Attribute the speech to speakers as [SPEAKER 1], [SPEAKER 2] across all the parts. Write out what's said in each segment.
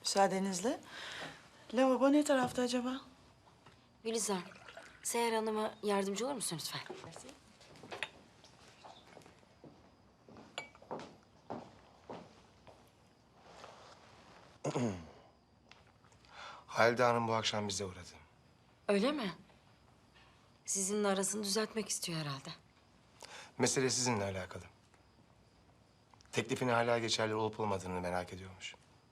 [SPEAKER 1] Müsaadenizle. Lavabo ne tarafta acaba?
[SPEAKER 2] Gülizar, Seher Hanım'a yardımcı olur musun lütfen?
[SPEAKER 3] Halide Hanım bu akşam bize uğradı.
[SPEAKER 2] Öyle mi? Sizinle arasını düzeltmek istiyor herhalde.
[SPEAKER 3] Mesele sizinle alakalı. Teklifin hala geçerli olup olmadığını merak ediyormuş.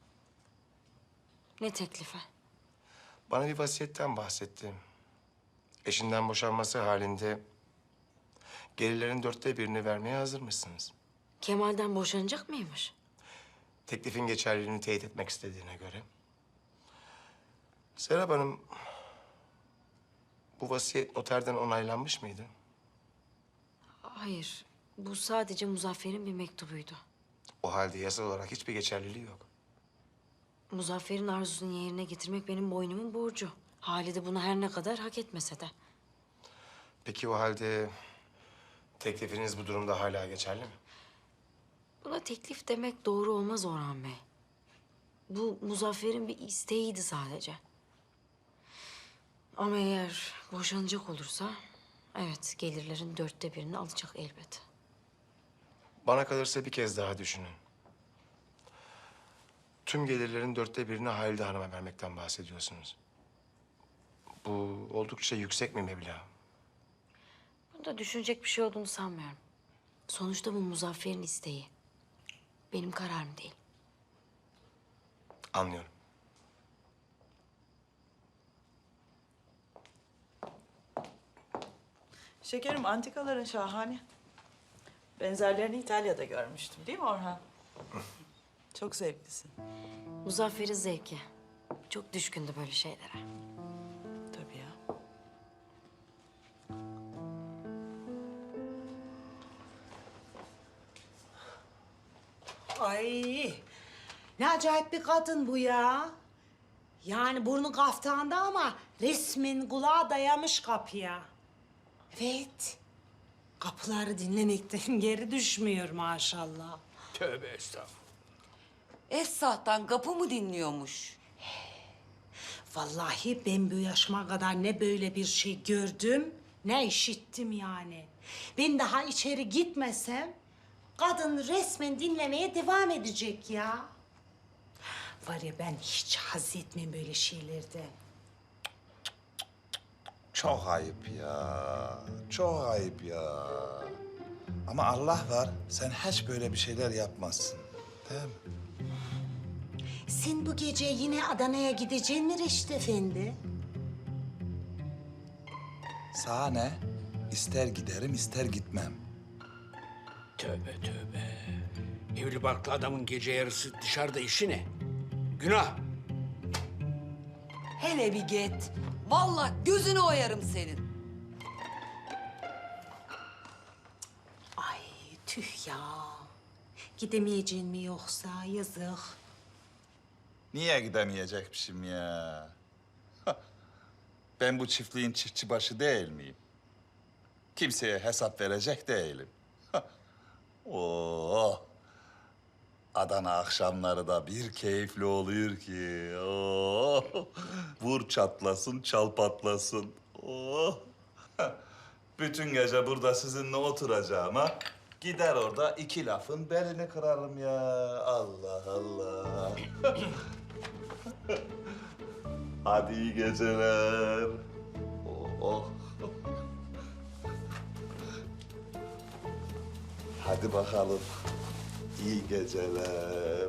[SPEAKER 2] Ne teklifi?
[SPEAKER 3] Bana bir vasiyetten bahsetti. Eşinden boşanması halinde gelirlerin 1/4'ünü vermeye hazırmışsınız.
[SPEAKER 2] Kemal'den boşanacak mıymış?
[SPEAKER 3] Teklifin geçerliliğini teyit etmek istediğine göre. Serap Hanım, bu vasiyet noterden onaylanmış mıydı?
[SPEAKER 2] Hayır, bu sadece Muzaffer'in bir mektubuydu.
[SPEAKER 3] O halde yasal olarak hiçbir geçerliliği yok.
[SPEAKER 2] Muzaffer'in arzusunu yerine getirmek benim boynumun borcu. Halide bunu her ne kadar hak etmese de.
[SPEAKER 3] Peki o halde teklifiniz bu durumda hala geçerli mi?
[SPEAKER 2] Buna teklif demek doğru olmaz Orhan Bey. Bu Muzaffer'in bir isteğiydi sadece. Ama eğer boşanacak olursa... evet, gelirlerin 1/4'ünü alacak elbet.
[SPEAKER 3] Bana kalırsa bir kez daha düşünün. Tüm gelirlerin 1/4'ünü Halide Hanım'a vermekten bahsediyorsunuz. Bu oldukça yüksek bir meblağ.
[SPEAKER 2] Bunda düşünecek bir şey olduğunu sanmıyorum. Sonuçta bu Muzaffer'in isteği. Benim kararım değil.
[SPEAKER 3] Anlıyorum.
[SPEAKER 1] Şekerim, antikaların şahane. Benzerlerini İtalya'da görmüştüm, değil mi Orhan? Çok zevklisin.
[SPEAKER 2] Muzaffer'in zevki. Çok düşkündü böyle şeylere.
[SPEAKER 1] Tabii ya.
[SPEAKER 4] Ay, ne acayip bir kadın bu ya. Yani burnu kaftanda ama resmen kulağa dayamış kapıya. Evet, kapıları dinlemekten geri düşmüyor maşallah.
[SPEAKER 5] Tövbe estağfurullah.
[SPEAKER 6] Esra'dan kapı mı dinliyormuş?
[SPEAKER 4] Vallahi ben bu yaşıma kadar ne böyle bir şey gördüm, ne işittim yani. Ben daha içeri gitmesem kadın resmen dinlemeye devam edecek ya. Var ya, ben hiç haz etmem böyle şeylerden.
[SPEAKER 7] Çok ayıp ya. Çok ayıp ya. Ama Allah var, sen hiç böyle bir şeyler yapmazsın. Değil mi?
[SPEAKER 4] Sen bu gece yine Adana'ya gideceksin mi Reşit Efendi?
[SPEAKER 7] Sana ne? İster giderim, ister gitmem.
[SPEAKER 5] Tövbe tövbe. Evli barklı adamın gece yarısı dışarıda işi ne? Günah.
[SPEAKER 6] Hele bir git. Vallahi gözünü oyarım senin.
[SPEAKER 4] Ay tüh ya. Gidemeyeceksin mi yoksa, yazık.
[SPEAKER 7] Niye gidemeyecekmişim ya? Ben bu çiftliğin çiftçi başı değil miyim? Kimseye hesap verecek değilim. Oh! Adana akşamları da bir keyifli oluyor ki. Oh! Vur çatlasın, çal patlasın. Oh! Bütün gece burada sizinle oturacağım ha. Gider orada iki lafın belini kırarım ya. Allah Allah. Hadi iyi geceler. Oh, oh. Hadi bakalım. İyi geceler.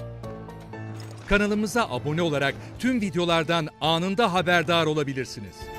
[SPEAKER 8] Kanalımıza abone olarak tüm videolardan anında haberdar olabilirsiniz.